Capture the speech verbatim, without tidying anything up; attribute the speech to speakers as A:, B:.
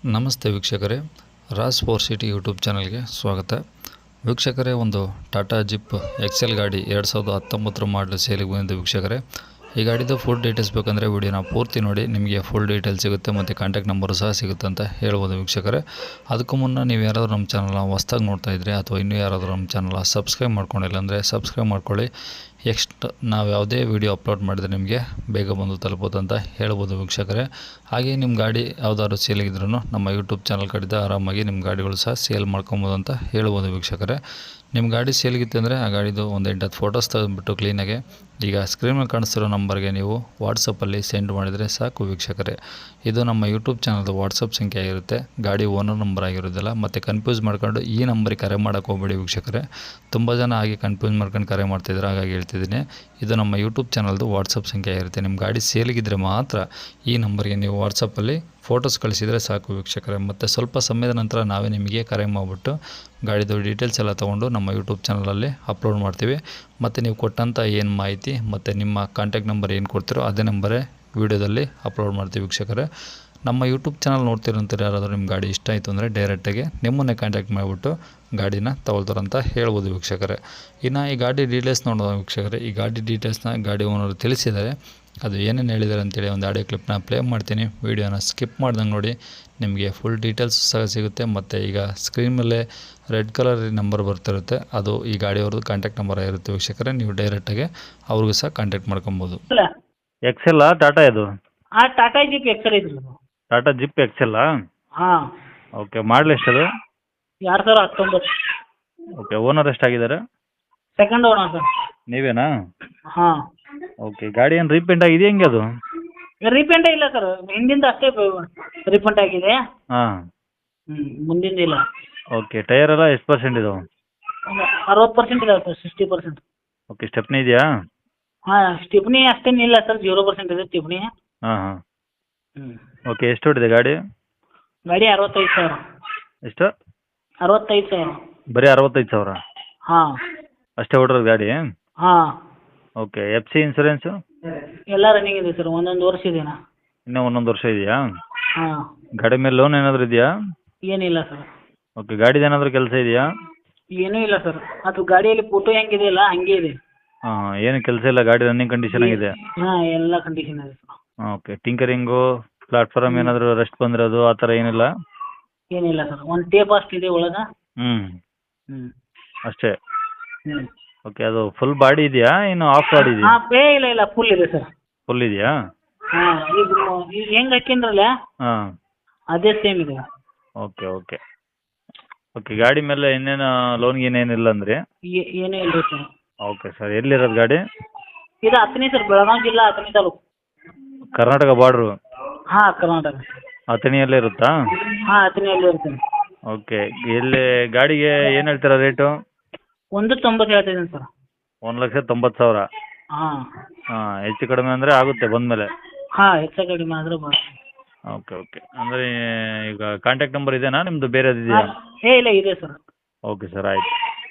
A: ನಮಸ್ತೆ ವೀಕ್ಷಕರೇ, Raj four city YouTube ಚಾನಲ್ಗೆ ಸ್ವಾಗತ. ವೀಕ್ಷಕರೇ, ಒಂದು ಟಾಟಾ ಜಿಪ್ ಎಕ್ಸೆಲ್ ಗಾಡಿ ಎರಡು ಸಾವಿರದ ಹತ್ತೊಂಬತ್ತರ ಮಾಡಲು ಸೇಲಿಗೆ ಬಂದಿದೆ. ವೀಕ್ಷಕರೇ, ಈ ಗಾಡಿದು ಫುಲ್ ಡೀಟೇಲ್ಸ್ ಬೇಕಂದರೆ ವಿಡಿಯೋನ ಪೂರ್ತಿ ನೋಡಿ, ನಿಮಗೆ ಫುಲ್ ಡೀಟೇಲ್ಸ್ ಸಿಗುತ್ತೆ ಮತ್ತು ಕಾಂಟ್ಯಾಕ್ಟ್ ನಂಬರು ಸಹ ಸಿಗುತ್ತೆ ಅಂತ ಹೇಳ್ಬೋದು. ವೀಕ್ಷಕರೇ, ಅದಕ್ಕೂ ಮುನ್ನ ನೀವು ಯಾರಾದರೂ ನಮ್ಮ ಚಾನಲ್ನ ಹೊಸ್ದಾಗಿ ನೋಡ್ತಾ ಇದ್ದರೆ ಅಥವಾ ಇನ್ನೂ ಯಾರಾದರೂ ನಮ್ಮ ಚಾನಲ್ನ ಸಬ್ಸ್ಕ್ರೈಬ್ ಮಾಡ್ಕೊಂಡಿಲ್ಲ ಅಂದರೆ ಸಬ್ಸ್ಕ್ರೈಬ್ ಮಾಡ್ಕೊಳ್ಳಿ. ಎಕ್ಸ್ಟ್ ನಾವು ಯಾವುದೇ ವೀಡಿಯೋ ಅಪ್ಲೋಡ್ ಮಾಡಿದರೆ ನಿಮಗೆ ಬೇಗ ಬಂದು ತಲುಪೋದು ಅಂತ ಹೇಳ್ಬೋದು. ವೀಕ್ಷಕರೇ, ಹಾಗೆ ನಿಮ್ಮ ಗಾಡಿ ಯಾವುದಾದ್ರು ಸೇಲಿಗಿದ್ರೂ ನಮ್ಮ ಯೂಟ್ಯೂಬ್ ಚಾನಲ್ ಕಡೆದ ಆರಾಮಾಗಿ ನಿಮ್ಮ ಗಾಡಿಗಳು ಸಹ ಸೇಲ್ ಮಾಡ್ಕೊಬೋದು ಅಂತ ಹೇಳ್ಬೋದು. ವೀಕ್ಷಕರೇ, ನಿಮ್ಮ ಗಾಡಿ ಸೇಲ್ಗಿತ್ತು ಅಂದರೆ ಆ ಗಾಡಿದು ಒಂದು ಎಂಟತ್ತು ಫೋಟೋಸ್ ತೆಗೆದುಬಿಟ್ಟು ಕ್ಲೀನಾಗೆ ಈಗ ಸ್ಕ್ರೀನಲ್ಲಿ ಕಾಣಿಸ್ತಿರೋ ನಂಬರ್ಗೆ ನೀವು ವಾಟ್ಸಪ್ಪಲ್ಲಿ ಸೆಂಡ್ ಮಾಡಿದರೆ ಸಾಕು. ವೀಕ್ಷಕರೇ, ಇದು ನಮ್ಮ ಯೂಟ್ಯೂಬ್ ಚಾನಲ್ದು ವಾಟ್ಸಪ್ ಸಂಖ್ಯೆ ಆಗಿರುತ್ತೆ, ಗಾಡಿ ಓನರ್ ನಂಬರ್ ಆಗಿರೋದಿಲ್ಲ. ಮತ್ತು ಕನ್ಫ್ಯೂಸ್ ಮಾಡ್ಕೊಂಡು ಈ ನಂಬರಿಗೆ ಕರೆ ಮಾಡೋಕ್ಕೆ ಹೋಗಬೇಡಿ. ವೀಕ್ಷಕರೇ, ತುಂಬ ಜನ ಹಾಗೆ ಕನ್ಫ್ಯೂಸ್ ಮಾಡ್ಕೊಂಡು ಕರೆ ಮಾಡ್ತಿದ್ದಾರೆ, ಹಾಗಾಗಿ ಹೇಳ್ತಿದ್ದೀನಿ. ಇದು ನಮ್ಮ ಯೂಟ್ಯೂಬ್ ಚಾನಲ್ದು ವಾಟ್ಸಪ್ ಸಂಖ್ಯೆ ಆಗಿರುತ್ತೆ. ನಿಮ್ಮ ಗಾಡಿ ಸೇಲಿಗಿದ್ದರೆ ಮಾತ್ರ ಈ ನಂಬರ್ಗೆ ನೀವು ವಾಟ್ಸಪ್ಪಲ್ಲಿ ಫೋಟೋಸ್ ಕಳಿಸಿದರೆ ಸಾಕು. ವೀಕ್ಷಕರೇ, ಮತ್ತು ಸ್ವಲ್ಪ ಸಮಯದ ನಂತರ ನಾವೇ ನಿಮಗೆ ಕರೆ ಮಾಡಿಬಿಟ್ಟು ಗಾಡಿದು ಡೀಟೇಲ್ಸ್ ಎಲ್ಲ ತೊಗೊಂಡು ನಮ್ಮ ಯೂಟ್ಯೂಬ್ ಚಾನಲಲ್ಲಿ ಅಪ್ಲೋಡ್ ಮಾಡ್ತೀವಿ. ಮತ್ತು ನೀವು ಕೊಟ್ಟಂಥ ಏನು ಮಾಹಿತಿ ಮತ್ತು ನಿಮ್ಮ ಕಾಂಟ್ಯಾಕ್ಟ್ ನಂಬರ್ ಏನು ಕೊಡ್ತೀರೋ ಅದೇ ನಂಬರೇ ವೀಡಿಯೋದಲ್ಲಿ ಅಪ್ಲೋಡ್ ಮಾಡ್ತೀವಿ. ವೀಕ್ಷಕರೇ, ನಮ್ಮ ಯೂಟ್ಯೂಬ್ ಚಾನಲ್ ನೋಡ್ತಿರೋಂಥ ಯಾರಾದರೂ ನಿಮ್ಮ ಗಾಡಿ ಇಷ್ಟ ಆಯಿತು ಅಂದರೆ ಡೈರೆಕ್ಟಾಗಿ ನಿಮ್ಮನ್ನೇ ಕಾಂಟ್ಯಾಕ್ಟ್ ಮಾಡಿಬಿಟ್ಟು ಗಾಡಿನ ತಗೊಳ್ತಾರಂತ ಹೇಳ್ಬೋದು. ವೀಕ್ಷಕರೇ, ಇನ್ನು ಈ ಗಾಡಿ ಡೀಟೇಲ್ಸ್ ನೋಡೋದು. ವೀಕ್ಷಕರೇ, ಈ ಗಾಡಿ ಡೀಟೇಲ್ಸ್ನ ಗಾಡಿ ಓನರು ತಿಳಿಸಿದ್ದಾರೆ. ಅದು ಏನೇನು ಹೇಳಿದ್ದಾರೆ ಅಂತೇಳಿ ಒಂದು ಆಡಿಯೋ ಕ್ಲಿಪ್ನ ಪ್ಲೇ ಮಾಡ್ತೀನಿ. ವೀಡಿಯೋನ ಸ್ಕಿಪ್ ಮಾಡ್ದಂಗೆ ನೋಡಿ, ನಿಮಗೆ ಫುಲ್ ಡೀಟೇಲ್ಸ್ ಸಹ ಸಿಗುತ್ತೆ. ಮತ್ತು ಈಗ ಸ್ಕ್ರೀನ್ ಮೇಲೆ ರೆಡ್ ಕಲರ್ ನಂಬರ್ ಬರ್ತಿರುತ್ತೆ, ಅದು ಈ ಗಾಡಿಯವ್ರದ್ದು ಕಾಂಟ್ಯಾಕ್ಟ್ ನಂಬರ್ ಆಗಿರುತ್ತೆ. ವೀಕ್ಷಕರೇ, ನೀವು ಡೈರೆಕ್ಟಾಗಿ ಅವ್ರಿಗೂ ಸಹ ಕಾಂಟ್ಯಾಕ್ಟ್ ಮಾಡ್ಕೊಬೋದು.
B: ಎಕ್ಸೆಲ್ಲಾ ಟಾಟಾ ಇದು?
C: ಹಾಂ, ಟಾಟಾ ಜಿಪ್ ಎಕ್ಸೆಲ್ ಐತ್ರಿ ಅದು.
B: ಟಾಟಾ ಜಿಪ್ ಎಕ್ಸೆಲ್ಲಾ?
C: ಹಾಂ.
B: ಓಕೆ, ಮಾಡಲ್ ಎಷ್ಟದು?
C: ಎರಡು ಸಾವಿರ ಹತ್ತೊಂಬತ್ತು.
B: ಓಕೆ, ಓನರ್ ಎಷ್ಟಾಗಿದ್ದಾರೆ?
C: Second owner sir.
B: ನೀವೇನಾ?
C: ಹಾಂ.
B: ಓಕೆ, ಗಾಡಿ ಏನು ರೀಪೇಂಟ್ ಆಗಿದೆ ಹೆಂಗೆ ಅದು?
C: ರೀಪೇಂಟೇ ಇಲ್ಲ ಸರ್, ಹಿಂದಿಂದ ಅಷ್ಟೇ ರೀಪೇಂಟ್ ಆಗಿದೆ.
B: ಹಾಂ.
C: ಹ್ಞೂ, ಮುಂದಿಂದ ಇಲ್ಲ.
B: ಓಕೆ, ಟೈರ್ ಎಲ್ಲ ಎಷ್ಟು ಪರ್ಸೆಂಟ್ ಇದಾವೆ?
C: ಅರವತ್ತು ಪರ್ಸೆಂಟ್ ಇದಾವೆ sir, sixty percent.
B: Okay, stepney ಇದೆಯಾ?
C: ಹಾಂ, ಸ್ಟಿಪ್ನಿ ಅಷ್ಟೇನಿಲ್ಲ ಸರ್, ಜೀರೋ ಪರ್ಸೆಂಟ್ ಇದೆ ಸ್ಟಿಪ್ನಿ.
B: ಹಾಂ ಹಾಂ.
C: ಹ್ಞೂ.
B: ಓಕೆ, ಎಷ್ಟು ಹೊಡಿದೆ ಗಾಡಿ?
C: ಗಾಡಿ ಅರವತ್ತೈದು ಸಾವಿರ.
B: ಎಷ್ಟು?
C: ಅರವತ್ತೈದು ಸಾವಿರ.
B: ಬರೀ ಅರವತ್ತೈದು ಸಾವಿರ?
C: ಹಾಂ.
B: ಅಷ್ಟೇ ಹೊಡ್ರೋದು ಗಾಡಿ?
C: ಹಾಂ.
B: Okay, F C insurance?
C: ಎಲ್ಲ ರನ್ನಿಂಗ್ ಇದೆ ಸರ್, ಒಂದೊಂದು ವರ್ಷ ಇದೆನಾ.
B: ಇನ್ನೂ ಒಂದೊಂದು ವರ್ಷ ಇದೆಯಾ?
C: ಹಾಂ.
B: ಗಾಡಿ ಮೇಲೆ ಲೋನ್ ಏನಾದರೂ ಇದೆಯಾ?
C: ಏನಿಲ್ಲ ಸರ್.
B: ಓಕೆ, ಗಾಡಿದು ಏನಾದರೂ ಕೆಲಸ ಇದೆಯಾ?
C: ಏನೂ ಇಲ್ಲ ಸರ್, ಅದು ಗಾಡಿಯಲ್ಲಿ ಫೋಟೋ ಹೆಂಗಿದೆಯಲ್ಲ ಹಂಗೆ ಇದೆ.
B: ಹಾಂ, ಏನು ಕೆಲಸ ಇಲ್ಲ, ಗಾಡಿ ರನ್ನಿಂಗ್ ಕಂಡೀಷನ್ ಆಗಿದೆ?
C: ಹಾಂ, ಎಲ್ಲ ಕಂಡೀಷನ್ ಇದೆ ಸರ್.
B: ಓಕೆ, ಟಿಂಕರಿಂಗು, ಪ್ಲಾಟ್ಫಾರಮ್ ಏನಾದರೂ ರೆಸ್ಟ್ ಬಂದಿರೋದು ಆ ಥರ ಏನಿಲ್ಲ?
C: ಏನಿಲ್ಲ ಸರ್, ಒಂದು ಟೇಪ್ ಅಷ್ಟು ಇದೆ ಒಳಗೆ.
B: ಹ್ಞೂ
C: ಹ್ಞೂ.
B: ಅಷ್ಟೇ?
C: ಹ್ಞೂ.
B: ಓಕೆ, ಅದು ಫುಲ್ ಬಾಡಿ ಇದೆಯಾ ಇನ್ನು ಆಫ್ ಬಾಡಿ ಇದೆಯಾ?
C: ಹಾಂ, ಪೇ ಇಲ್ಲ ಇಲ್ಲ ಫುಲ್ ಇದೆ ಸರ್.
B: ಫುಲ್ ಇದೆಯಾ?
C: ಹಾಂ, ಈಗ ಈಗ ಹೆಂಗೆ ಹಾಕಿದ್ರಲ್ಲ
B: ಹಾಂ.
C: ಅದೇ ಸೇಮ್ ಇದೆ.
B: ಓಕೆ ಓಕೆ ಓಕೆ, ಗಾಡಿ ಮೇಲೆ ಇನ್ನೇನು ಲೋನ್ ಗೀನ್ ಏನಿಲ್ಲ ಅಂದರೆ?
C: ಏ- ಏನೂ ಇಲ್ಲ ಸರ್.
B: ಓಕೆ ಸರ್, ಎಲ್ಲಿರೋದು ಗಾಡಿ?
C: ಇದು ಹತ್ತನೇ ಸರ್, ಬೆಳಗಾವಿ ಜಿಲ್ಲಾ ಹತ್ತನೇ ತಾಲೂಕು.
B: ಕರ್ನಾಟಕ ಬಾರ್ಡ್ರು?
C: ಹಾಂ, ಕರ್ನಾಟಕ.
B: ಅಥಣಿಯಲ್ಲೇ ಇರುತ್ತಾ?
C: ಹಾಂ, ಹತ್ತನೆಯಲ್ಲಿ ಇರ್ತೀನಿ.
B: ಓಕೆ, ಎಲ್ಲಿ ಗಾಡಿಗೆ ಏನು ಹೇಳ್ತೀರಾ ರೇಟು?
C: ಒಂದು ತೊಂಬತ್ತು ಹೇಳ್ತಿದ್ದೀನಿ ಸರ್.
B: ಒಂದು ಲಕ್ಷ ತೊಂಬತ್ತು ಸಾವಿರ?
C: ಹಾಂ.
B: ಹಾಂ, ಹೆಚ್ಚು ಕಡಿಮೆ ಅಂದರೆ ಆಗುತ್ತೆ ಬಂದಮೇಲೆ?
C: ಹಾಂ, ಹೆಚ್ಚು ಕಡಿಮೆ ಆದರೂ ಬರ್.
B: ಓಕೆ ಓಕೆ, ಅಂದರೆ ಈಗ ಕಾಂಟ್ಯಾಕ್ಟ್ ನಂಬರ್ ಇದೆಯಾ ನಿಮ್ಮದು ಬೇರೆದು ಇದೆಯಾ?
C: ಏ ಇಲ್ಲ ಇದೆ ಸರ್.
B: ಓಕೆ ಸರ್, ಆಯಿತು.